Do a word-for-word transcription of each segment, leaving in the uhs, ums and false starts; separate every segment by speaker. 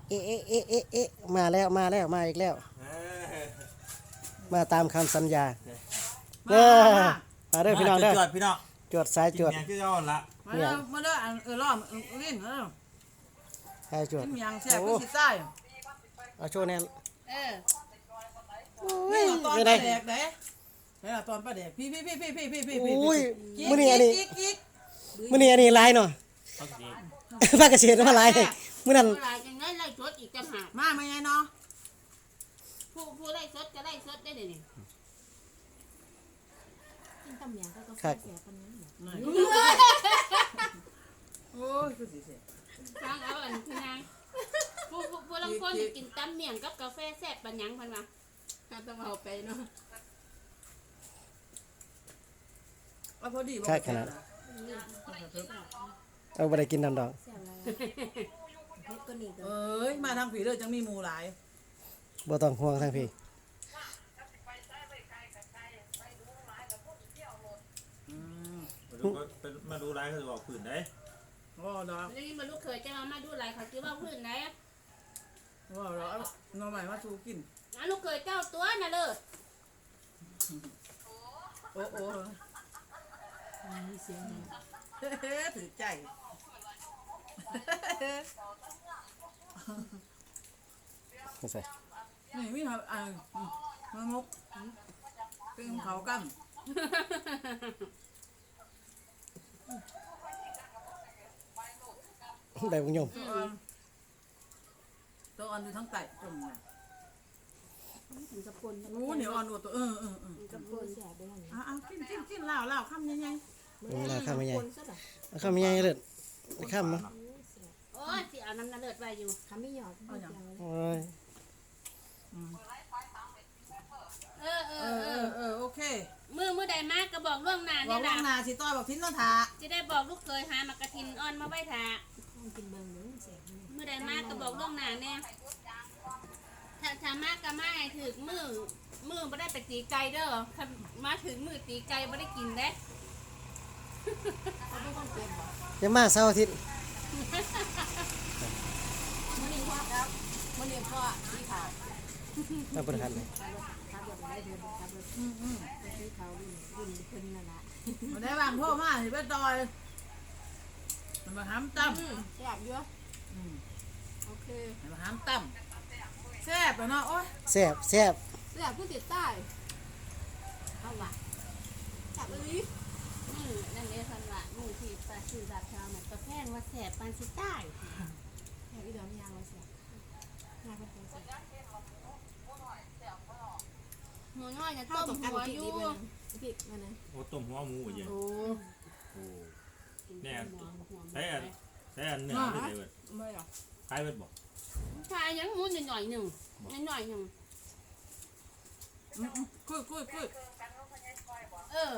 Speaker 1: เอ๊ะเอ๊ะเอ๊ะเอ๊ะเอ๊ะมาแล้วมาแล้วมาอีกแล้ว มาตามคำสัญญาเด้อมาเด้อพี่น้องเด้อ
Speaker 2: จวดพี่น้อง
Speaker 1: จวดสายจวด
Speaker 2: กินยังที่ย้อนละ
Speaker 3: มาเด้อมาเด้อเออล้อมลิ้นเออ
Speaker 1: สายจวด
Speaker 3: กินยังแซ่บคือสิใต้
Speaker 1: เอาโชว์แน่
Speaker 4: เออ
Speaker 3: นี่ตอน
Speaker 1: ไม่
Speaker 3: ป
Speaker 1: ได้
Speaker 3: ลาแดกเด้นี่ตอนปลาแดกพี่พี่พี่พี่พี่พี่พี่พี่
Speaker 1: อุ้ยมื้อนี้อันนี้
Speaker 3: กิ๊กกิ๊ก
Speaker 1: มื้อนี้อันนี้ลายเนาะ
Speaker 2: ต้องกิน
Speaker 1: ภาคเกษตรมาลายมื้อนั้น
Speaker 4: ผู้ไล่จังไงไล่สดอีกจังหาก
Speaker 3: มาไม่ไงเนาะ
Speaker 4: ผู้ผู้ไล่สดก็ไล่สดได้เดี๋ยวนี้
Speaker 5: กินตำเหมียงก็กาแฟ
Speaker 1: ครับ
Speaker 5: เสียปานนั้นเหรอ
Speaker 3: โอ้ยคือสิเสีย
Speaker 4: ฟังเอาอันคือนางผู้ผู้ผู้ลังคนนี่กินตำเมี่ยงกับกาแฟแซ่บปันหยังพันมาถ้าต้องเอาไปเนาะ
Speaker 3: เอาพอดีบ่
Speaker 1: ใช่ขนาดเอาบ่ได้กินน้ำดอก
Speaker 5: เสียอะไรเฮ็ดก็นี่ก็
Speaker 3: เอ้ยมาทางผีเด้อจังมีหมู่หลาย
Speaker 1: บ่ต้องห่วงทางพี่
Speaker 3: อืม
Speaker 2: มาดูก็มาดูไลฟ์เขาจะบอกผื่นได้
Speaker 3: โอ้ดอก
Speaker 4: นี่มาลูกเคยจะมามาดูอะไรเขาคิดว่าพื้นไหนอ่ะ
Speaker 3: โอ้ดอกเอาหน่อใหม่มาสู่กิน
Speaker 4: อ่ะลูกเคยเจ้าตัวน่ะเลิศ
Speaker 3: โอ้โอ้
Speaker 5: มีเสียงหนึ่ง
Speaker 3: เฮ้ถือใจ
Speaker 1: ไม่ใส่
Speaker 3: นี่มีครับอ่ามามุกเป็นเขากั้ม
Speaker 1: ได้บุญยม
Speaker 3: ตัวอ่อนตัวอ่อนอยู่ทั้งไตจมเนี่ย
Speaker 5: ถึงกับปน
Speaker 3: โอ้เหนียวอ่อนกว่าตัวเออเออเออ
Speaker 5: กับปนเสียไปหั่น
Speaker 3: อ่ะเอากินกินกินเหล้าเหล้าคำยังไง
Speaker 1: อืมราคาไม่ใหญ่
Speaker 5: ปนซะดอก
Speaker 1: ราคาไม่ใหญ่เลยข้ามมั้ง
Speaker 5: โอ้ยเสีย
Speaker 4: โอ้ยสิเอาน้ำน่ะเลิศไว้อยู่
Speaker 5: คำไม่หยอดไม่เดียวเลย
Speaker 1: โอ้ย
Speaker 4: เออเอ
Speaker 3: เอ
Speaker 4: อ
Speaker 3: อ
Speaker 4: เอ
Speaker 3: เอ
Speaker 4: อ
Speaker 3: อเออโอเค
Speaker 4: มือมือใดมากก็บอกล่วงหน้า
Speaker 3: บอ
Speaker 4: เนี่ย
Speaker 3: กว่า
Speaker 4: ล่ะ
Speaker 3: นาสิต้อยบอกทิ้นต้องทา
Speaker 4: จะได้บอกลูกเคยหามากระทินอ่อนมาไว้ทา
Speaker 5: ต้องกินเบิ่งหนึงเสียนี่
Speaker 4: มือใดมากก็บอกล่วงหน้าเนี่ยถ้าถ้ามากก็มาให้ถึงมือมือไม่ได้ไปตีไก่เด้อถ้ามาถึงมือตีไก่ไม่ได้กินเด้
Speaker 5: เขาไม่ต้องเก็บบ่
Speaker 1: จะมาเสาร์อาทิตย์
Speaker 5: มื้อนี้พ่อครับมื้อนี้พ่อสีขาว
Speaker 1: มาประทันเลย
Speaker 5: ขับรถขับรถได้เดินขับรถ
Speaker 3: อืมอืม
Speaker 5: ไปสีขาวรุ่นรุ่นเพิ่นนั่นล่ะ
Speaker 3: มาได้บางพ่อมาสิไปต่อยมันมาห้ามตั้ม
Speaker 5: อืมแซ่บอยู่
Speaker 3: อืม
Speaker 5: โอเค
Speaker 3: มันมาห้ามตั้มแซ่บแล้วเนาะโอ้ย
Speaker 1: แซ่บแซ่บ
Speaker 5: แซ่บผู้ติดใต้เอาว่ะแซ่บอีหลี
Speaker 4: มือนั่นเองสันละมือที่ปลาสื่อดาบชาวมันก็แพงว่าแสบปานสิใต้
Speaker 5: แซ่บอีดอกยางว่าแซ่บยางก็เป็นแซ่บ
Speaker 4: หัวน้อยจะ
Speaker 5: ข้า
Speaker 4: ต้
Speaker 5: ว
Speaker 4: ม
Speaker 5: ต้องการ
Speaker 4: หัว
Speaker 5: พริก
Speaker 4: อ
Speaker 5: ดิ
Speaker 4: ยู่
Speaker 5: บมันพริกมันนะ
Speaker 2: โอ้ต้มหัวหมูอย่าง
Speaker 5: โอ้
Speaker 2: โอ้
Speaker 4: แน่
Speaker 2: ใช้อันใช้อันเนื้อไม่ได้เบิด
Speaker 5: ไม่หรอก
Speaker 2: ขายเบิดบอก
Speaker 4: ชายยังมุนหน่อยหนึ่งหน่อยหนึ่ง
Speaker 3: อืมอืมคุยคุยคุย
Speaker 4: เออ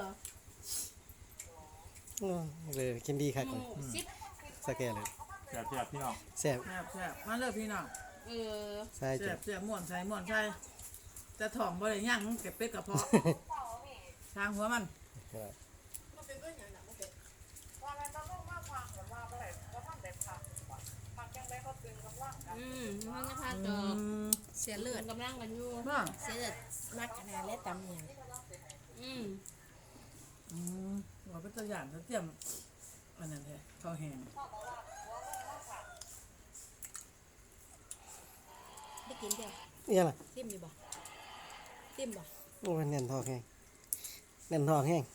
Speaker 1: อืมเลยกินดีครับ
Speaker 4: หมูสิบ
Speaker 1: สแกนเลย
Speaker 2: แซ่บแซ่บพี่น้อง
Speaker 1: แซ่บ
Speaker 3: แซ่บแซ่บมาเลยพี่น้อง
Speaker 4: เออ
Speaker 1: สายจ
Speaker 3: แซ่
Speaker 1: ว
Speaker 3: บ
Speaker 1: ด
Speaker 3: แซ่บม่วนใส่ม่วนใส่จะถ่องบ่ได้ย่างเก็บเป็ดกระเพาะทางหัวมัน
Speaker 4: อืมมันจะพาจ
Speaker 3: อื
Speaker 4: อ
Speaker 3: ม
Speaker 5: เสียเลือด
Speaker 4: กำลังกันอยู่
Speaker 3: ว่า
Speaker 5: เสียเลือดมักขนาดและตำเหมียง
Speaker 4: อืม
Speaker 3: อืมว่าเป็นตัวอย่างเขาเตรียมอันนั้นแท้ข้าวแห้ง
Speaker 5: ได้กินเดียว
Speaker 1: นี่ล่ะ
Speaker 5: ติ้มอยู่บ่ติ้มบ่
Speaker 1: โอ้ยแน่นทองแห้งแน่นทองแห้ง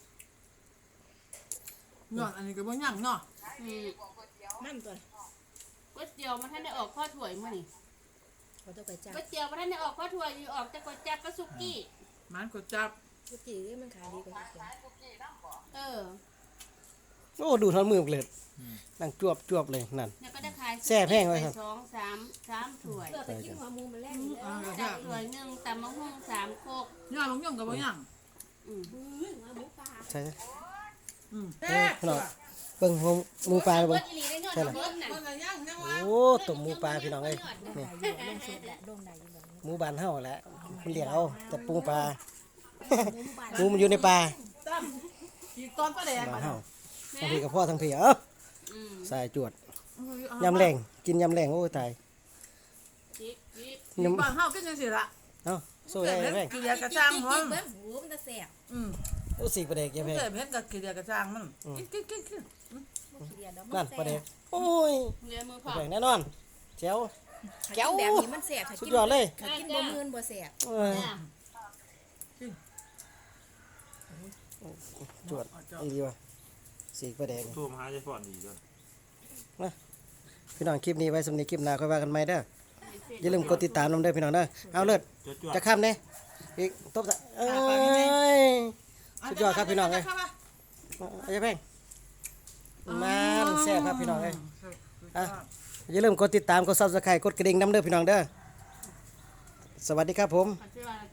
Speaker 3: นอนอันนี้ก็บ่ย่างเนาะ
Speaker 4: อืม
Speaker 5: มันตัว
Speaker 4: ก๋วยเตี๋ยวมาท่านได้ออกข้อถ้วยมั้ยนี่
Speaker 5: ขอตัวไปจ้า
Speaker 4: ก๋วยเตี๋ยวมาท่านได้ออกข้อถ้วยอยู่ออกจากก๋วยจั๊บกับสุกี้
Speaker 3: มันก็จับ
Speaker 5: ทุกทีมันขายดีกว่าทุกที
Speaker 4: เออ
Speaker 1: โอ้ดูทอนมือเลยนั่งจวบจวบเลยนั่น
Speaker 4: แล้วก็ได้ขาย
Speaker 1: แซ่บแห้งไว้ครับ
Speaker 4: สองสามสามถ้วย
Speaker 5: เลือดไปกินหัวหมูมันแรกนี่
Speaker 3: อ่า
Speaker 4: จั
Speaker 3: จั
Speaker 4: บบ ถ้วยหนึ่งตำมะฮุ่งสามโคก
Speaker 3: ย่างลงย่างก็บ่ย่าง
Speaker 4: อืม
Speaker 5: อืมหัวหมูปลา
Speaker 1: ใช่ไหม
Speaker 3: อืม
Speaker 1: เออพี่น้องเบิ่งหมูหมูปลา
Speaker 4: เบิ
Speaker 1: เบิ่
Speaker 4: ด
Speaker 1: ง
Speaker 4: อีหลีได้เงิน
Speaker 1: ใช่ล่ะ
Speaker 4: เบิดน่ะ
Speaker 3: มันก็ย่างจังวะ
Speaker 1: โอ้ต้มหมูปลาพี่น้องเอ้ย
Speaker 5: โดนได้อยู่ลงสุดแหละโดนได้อยู่แบบ
Speaker 1: หมูบานเฮาแหละมันเรียกเอาแต่ปูปลา
Speaker 5: นี้หมูปลา
Speaker 1: หมูมันอยู่ในปลา
Speaker 3: ตั้มกี่ตอนปลาแดก
Speaker 1: บ้า
Speaker 3: มาน
Speaker 1: เฮาทั้งพี่กับพ่อทั้งพี่เอ้า
Speaker 4: อืม
Speaker 1: สายจวด
Speaker 3: เอา
Speaker 1: ยำแรงกินยำแรงโอ้ยตาย
Speaker 4: จิกจิก
Speaker 1: ยำ
Speaker 3: บ้านเฮากินจังซี่ล่ะ
Speaker 1: เอ้าสู้ได้ยายแพง
Speaker 3: กินยากระจ้างมัน
Speaker 5: เบิ้งหูมันจะแสบ
Speaker 3: อืม
Speaker 1: โอ้สีประเด็กยายแพง
Speaker 3: เกิดเห็นกับกินยากระจ้างมันกินกินกินกิน
Speaker 5: บ่ขี้เดียดดอกมั
Speaker 1: นั่น
Speaker 5: นแส
Speaker 1: ประเด็ก
Speaker 5: บ
Speaker 1: โอ้ย
Speaker 4: เรียนมือ
Speaker 1: ยา
Speaker 4: พ่อ
Speaker 1: แพงแน่นอนแจ๋ว
Speaker 5: ถ้า
Speaker 1: แจ๋ว
Speaker 5: กินแบบนี้มันแสบถ้า
Speaker 1: สุด
Speaker 5: กิน
Speaker 1: ยอดเลย
Speaker 5: ถ้ากินบ่มืนบ่แสบ
Speaker 1: เออ
Speaker 4: จ้ะ
Speaker 1: จวดอีดีว่ะสีประเด็ก
Speaker 2: โทรมาหาใจฟอนดีด้วย
Speaker 1: พี่น้องคลิปนี้ไว้สำหรับคลิปหน้าค่อยว่ากันใหม่เด้ออย่าลืมกดติดตามน้ำเด้อพี่น้องเด้อเอาเลิศ
Speaker 2: จวดจวด
Speaker 1: จะข้ามเนี่ยอีกตบซะเอ้ย สุดยอดครับพี่น้องเอ้ย เอาอย่าแพงมันแซ่บครับพี่น้องเอ้ยอ่ะอย่าลืมกดติดตามกด Subscribe กดกระดิ่งน้ำเด้อพี่น้องเด้อสวัสดีครับผม
Speaker 4: ปัจจุบัน